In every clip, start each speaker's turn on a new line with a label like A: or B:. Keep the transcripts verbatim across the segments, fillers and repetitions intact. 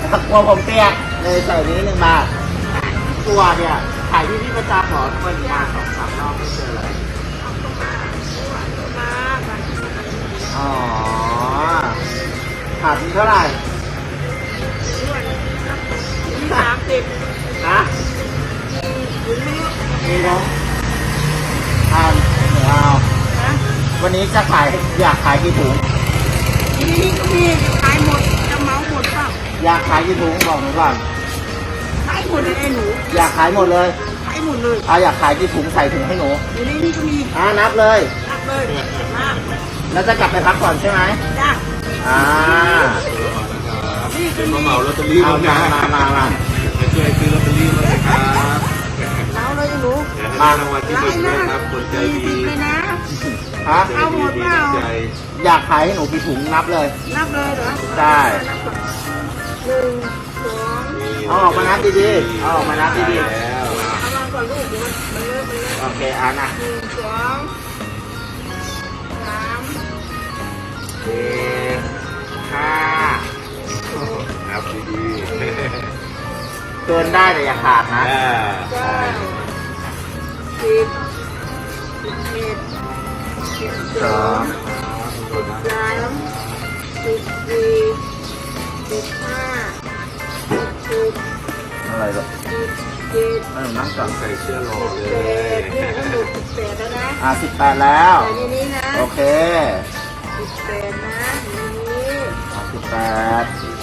A: กลัวผมเปียกเลยใส่นี้หนึ่งบาทตัวเนี่ยขายที่พี่ประจำหรอทำไมถึงมาสองสามรอบไม่เจอเลยอ๋อขาดเท่าไหร่
B: สามสิบ
A: ฮะมีน้องอ่านหนูเอาวันนี้จะขายอยากขายกี่ถุง
B: นี่ก็มีขายหมดจะเมาหมดเปล่า
A: อยากขายกี่ถุงบอกหนูก่อน
B: ขายหมดเลยไอ้หนู
A: อยากขายหมดเลย
B: ขายหมดเลย
A: อ่ะอยากขายกี่ถุงใส่ถุงให้หนู
B: อยู่ในนี้ก็มี
A: อ่านับเลย
B: นับเลยมา
A: แล้วจะกลับไปพักก่อนใช่ไหม
B: จ้า
A: อ่า
C: เป็นมาเหมาลอตเตอรี่
A: เอามามามามา
C: ช่วยซื้อลอตเตอรี่มาเลยครับ
B: เอาเลยหนู
C: มารางวัลที่หนึ่งด้วยครับคนใจดี
B: เลยนะ
A: ฮะ
B: เอาหมดเปล่า
A: อยากขายให้หนูกี่ถุงนับเลย
B: นับเลยเหรอ
A: ได้
B: หนึ่งสอง
A: เอาออกมานับดีๆเอาออกมานับดีๆ
C: แล้ว
B: เอามาก่อนลูกมันมันเลิกมันเลิก
A: โอเคอ่านะ
B: หนึ่งสองสาม
A: สี่ห้า
C: นับดี
A: ๆเกินได้แต่อย่าขาดนะ
B: เก้าสิบสิบเอ็ดสิบสองสิบสามสิบสี่สิบห้าสิบ
A: อะไรหรอ
B: สิบเจ็ด
A: ไม่หนูนั่งก่อน
C: ใส่เสื้อรอเล
B: สิบแป
C: ย
B: ดเนี่ยก็หลุดสิบแปดแล้วนะ
A: อ่าสิบแปดแล้ว
B: ใส่ในนี้นะ
A: โอเค
B: สิบแปดนะในนี้
A: สิบแปด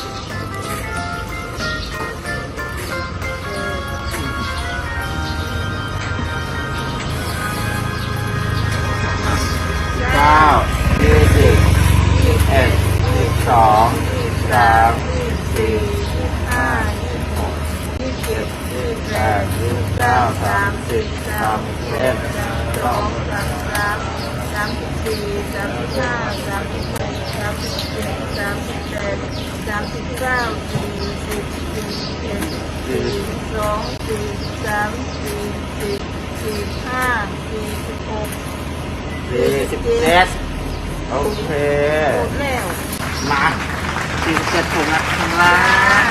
A: เก้ายี่สิบยี่สิบเอ็ดยี่สิบสองยี่สิบสามยี่สิบสี่ยี่สิบห้ายี่สิบหกยี่สิบเจ็ดยี่สิบแปดยี่สิบเก้าสามสิบสามสิบเอ็ดสามสิบสองสามสิบสามสามสิบสี่สามสิบห้าสามสิบหกสามสิบเจ็ดสามสิบแปดสามสิบเก้าสี่สิบสี่สิบเอ็ดสี่สิบสองสี่สิบสามสี่สิบสี่สิบห้าสี่สิบหกสี่สิบเจ็ดโอเค
B: หมดแล้ว
A: มาสี่สิบเจ็ดถุงนะข้างล่าง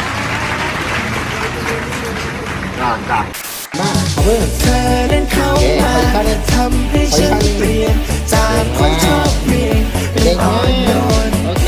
A: ก่อนก่อนมาขอบคุณ
D: เธอเดินเข้ามาทำให้ฉันเปลี่ยนจากคนชอบเรียนเป็นอ่อนโยน